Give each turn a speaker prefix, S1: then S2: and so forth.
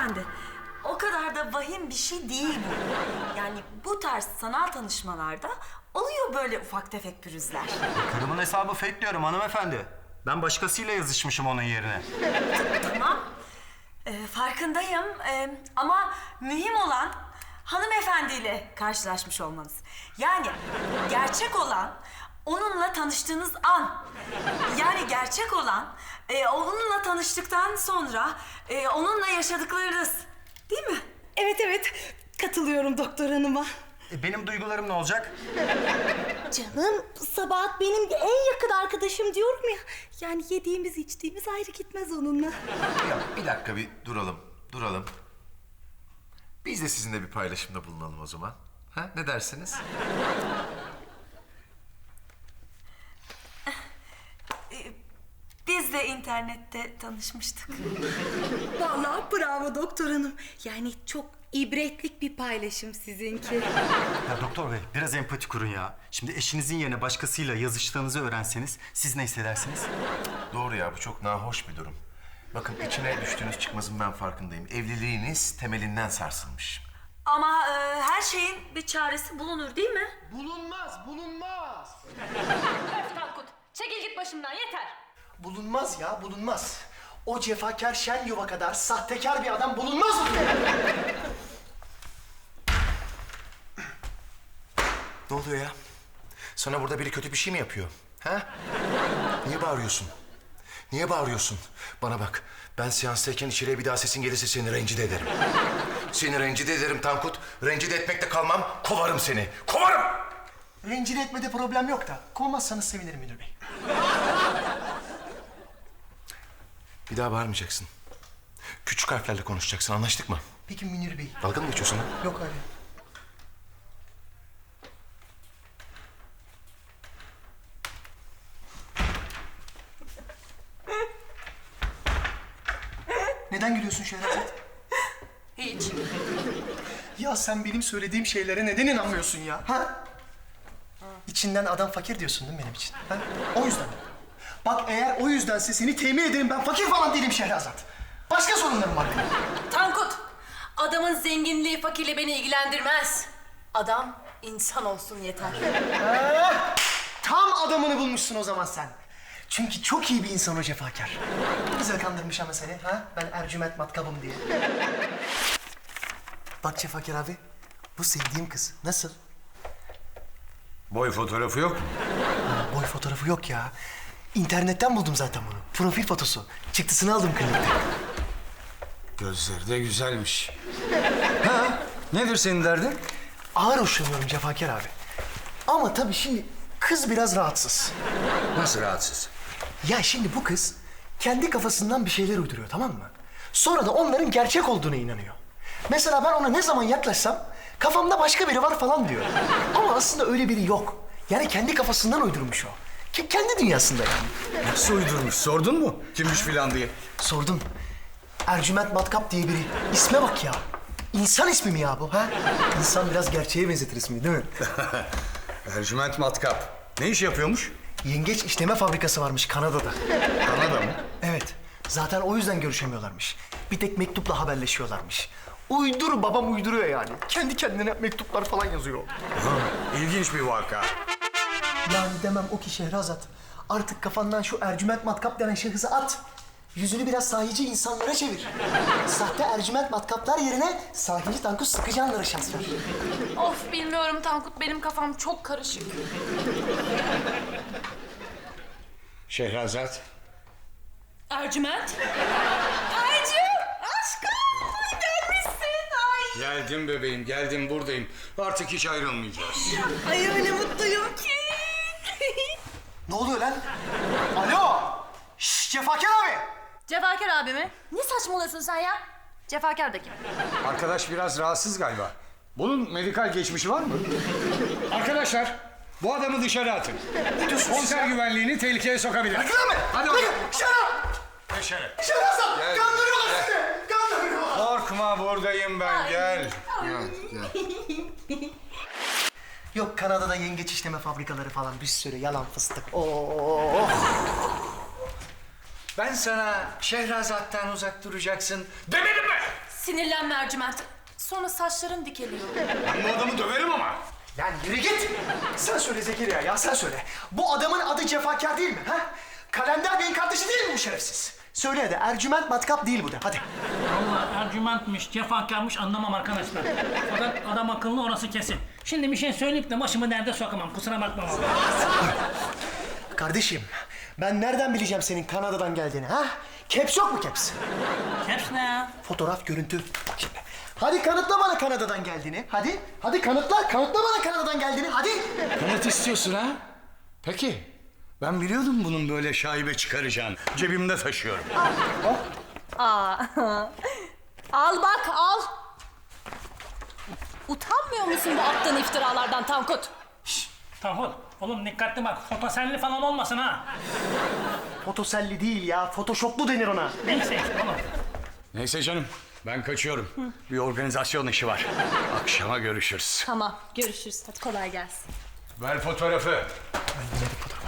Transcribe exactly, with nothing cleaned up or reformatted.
S1: hanımefendi. O kadar da vahim bir şey değil bu. Yani bu tarz sanal tanışmalarda oluyor böyle ufak tefek pürüzler.
S2: Karımın hesabı fake diyorum hanımefendi. Ben başkasıyla yazışmışım onun yerine.
S1: Tamam. Ee, farkındayım. Ee, ama mühim olan hanımefendiyle karşılaşmış olmanız. Yani gerçek olan onunla tanıştığınız an. Yani gerçek olan e, onunla tanıştıktan sonra e, onunla yaşadıklarınız. Değil mi?
S3: Evet evet, katılıyorum doktor hanıma.
S2: E, benim duygularım ne olacak?
S3: Canım, Sabahat benim en yakın arkadaşım diyorum ya. Yani yediğimiz içtiğimiz ayrı gitmez onunla.
S4: Ya bir dakika bir duralım, duralım. Biz de sizinle bir paylaşımda bulunalım o zaman. Ha, ne dersiniz?
S1: Biz de internette tanışmıştık.
S3: Vallahi bravo doktor hanım. Yani çok ibretlik bir paylaşım sizinki.
S2: Ya doktor bey biraz empati kurun ya. Şimdi eşinizin yerine başkasıyla yazıştığınızı öğrenseniz siz ne hissedersiniz?
S4: Doğru ya, bu çok nahoş bir durum. Bakın içine düştüğünüz çıkmazın ben farkındayım. Evliliğiniz temelinden sarsılmış.
S1: Ama e, her şeyin bir çaresi bulunur değil mi?
S5: Bulunmaz, bulunmaz.
S6: Öf Tankut, çekil git başımdan yeter.
S5: Bulunmaz ya, bulunmaz. O cefakar şen yuva kadar sahtekar bir adam bulunmaz mı?
S4: Ne oluyor ya? Sana burada biri kötü bir şey mi yapıyor? Ha? Niye bağırıyorsun? Niye bağırıyorsun? Bana bak, ben seanstayken içeriye bir daha sesin gelirse seni rencide ederim. Seni rencide ederim Tankut. Rencide etmekte kalmam, kovarım seni. Kovarım!
S5: Rencide etmede problem yok da kovmazsanız sevinirim müdür bey.
S4: Bir daha bağırmayacaksın. Küçük harflerle konuşacaksın, anlaştık mı?
S5: Peki Münir bey?
S4: Dalga mı geçiyorsun lan?
S5: Yok öyle. Neden gülüyorsun Şehrazat?
S6: Hiç.
S5: Ya sen benim söylediğim şeylere neden inanmıyorsun ya? Ha? İçinden adam fakir diyorsun değil mi benim için? Ha? O yüzden. Bak eğer o yüzdense seni temin ederim, ben fakir falan değilim Şehrazat. Başka sorunlarım var benim.
S6: Tankut, adamın zenginliği fakirle beni ilgilendirmez. Adam insan olsun yeter.
S5: Ha? Tam adamını bulmuşsun o zaman sen. Çünkü çok iyi bir insan o cefakar. Ne güzel kandırmış ama seni ha? Ben Ercüment matkabım diye. Bak Cefakar abi, bu sevdiğim kız. Nasıl?
S4: Boy fotoğrafı yok.
S5: Ha, boy fotoğrafı yok ya. İnternetten buldum zaten bunu. Profil fotosu. Çıktısını aldım klinikte.
S7: Gözleri de güzelmiş. Ha, nedir senin derdin?
S5: Ağır hoşlanıyorum Cefakar abi. Ama tabii şimdi kız biraz rahatsız.
S7: Nasıl rahatsız?
S5: Ya şimdi bu kız kendi kafasından bir şeyler uyduruyor, tamam mı? Sonra da onların gerçek olduğuna inanıyor. Mesela ben ona ne zaman yaklaşsam kafamda başka biri var falan diyor. Ama aslında öyle biri yok. Yani kendi kafasından uydurmuş o. Ki kendi dünyasında yani.
S7: Nasıl uydurmuş? Sordun mu? Kimmiş filan diye.
S5: Sordum. Ercüment Matkap diye biri. İsme bak ya. İnsan ismi mi ya bu ha? İnsan biraz gerçeğe benzetir ismi değil mi?
S7: Ercüment Matkap. Ne iş yapıyormuş?
S5: Yengeç işleme fabrikası varmış Kanada'da.
S7: Kanada mı?
S5: Evet. Zaten o yüzden görüşemiyorlarmış. Bir tek mektupla haberleşiyorlarmış. Uydur babam uyduruyor yani. Kendi kendine mektuplar falan yazıyor.
S7: Ha, ilginç bir vaka.
S5: Yani demem o ki Şehrazat. Artık kafandan şu Ercüment Matkap denen şahısı at. Yüzünü biraz sahici insanlara çevir. Sahte Ercüment Matkaplar yerine sahici Tankut Sıkıcanlara şans ver.
S6: Of bilmiyorum Tankut, benim kafam çok karışık.
S7: Şehrazat.
S6: Ercüment? Ercü! Aşkım! Gelmişsin! Ay!
S7: Geldim bebeğim, geldim buradayım. Artık hiç ayrılmayacağız.
S3: Ay öyle mutluyum ki.
S5: Ne oluyor lan? Alo! Şşş Cefakar abi!
S6: Cefakar abi mi? Ne saçmalıyorsun sen ya? Cefakar da kim?
S7: Arkadaş biraz rahatsız galiba. Bunun medikal geçmişi var mı? Arkadaşlar, bu adamı dışarı atın. Konser güvenliğini tehlikeye sokabilir.
S5: Bırakın mı?
S7: Hadi
S5: Bırakın!
S7: bakalım.
S5: Dışarı!
S7: Dışarı.
S5: Şehrazat!
S7: Gel.
S5: Kandırıyorlar
S7: Gel.
S5: sizi! Kandırıyorlar!
S7: Korkma, buradayım ben. Gel. Gel, gel.
S5: Yok Kanada'da yengeç işleme fabrikaları falan bir sürü yalan fıstık. Oo.
S7: Ben sana Şehrazat'tan uzak duracaksın demedim mi?
S6: Sinirlenme Ercüment. Sonra saçların dikeliyor.
S7: Ben bu adamı döverim ama.
S5: Lan yürü git. Sen söyle Zekeriya ya sen söyle. Bu adamın adı Cefakar değil mi ha? Kalender Bey'in kardeşi değil mi bu şerefsiz? Söyle hadi Ercüment Matkap değil bu de hadi.
S8: Vallahi Ercüment'miş, cefakarmış anlamam arkadaşlar. Fakat adam akıllı orası kesin. Şimdi bir şey söyleyip de başımı derde sokamam. Kusura bakma vallahi.
S5: Kardeşim ben nereden bileceğim senin Kanada'dan geldiğini ha? Caps yok mu caps?
S8: Caps ne ya?
S5: Fotoğraf, görüntü. Bak şimdi. Hadi kanıtla bana Kanada'dan geldiğini. Hadi. Hadi kanıtla. Kanıtla bana Kanada'dan geldiğini. Hadi.
S7: Kanıt istiyorsun ha? Peki. Ben biliyordum bunun böyle şaibe çıkaracağını. Cebimde taşıyorum.
S6: Aa. Al bak al. Utanmıyor musun bu attığın iftiralardan Tankut?
S8: Tankut, oğlum dikkatli bak. Fotosenli falan olmasın ha.
S5: Fotoselli değil ya. Photoshoplu denir ona.
S8: Neyse işte oğlum.
S7: Neyse canım. Ben kaçıyorum. Bir organizasyon işi var. Akşama görüşürüz.
S6: Tamam görüşürüz. Hadi kolay gelsin.
S7: Ver fotoğrafı.
S5: Ben yine bir fotoğraf.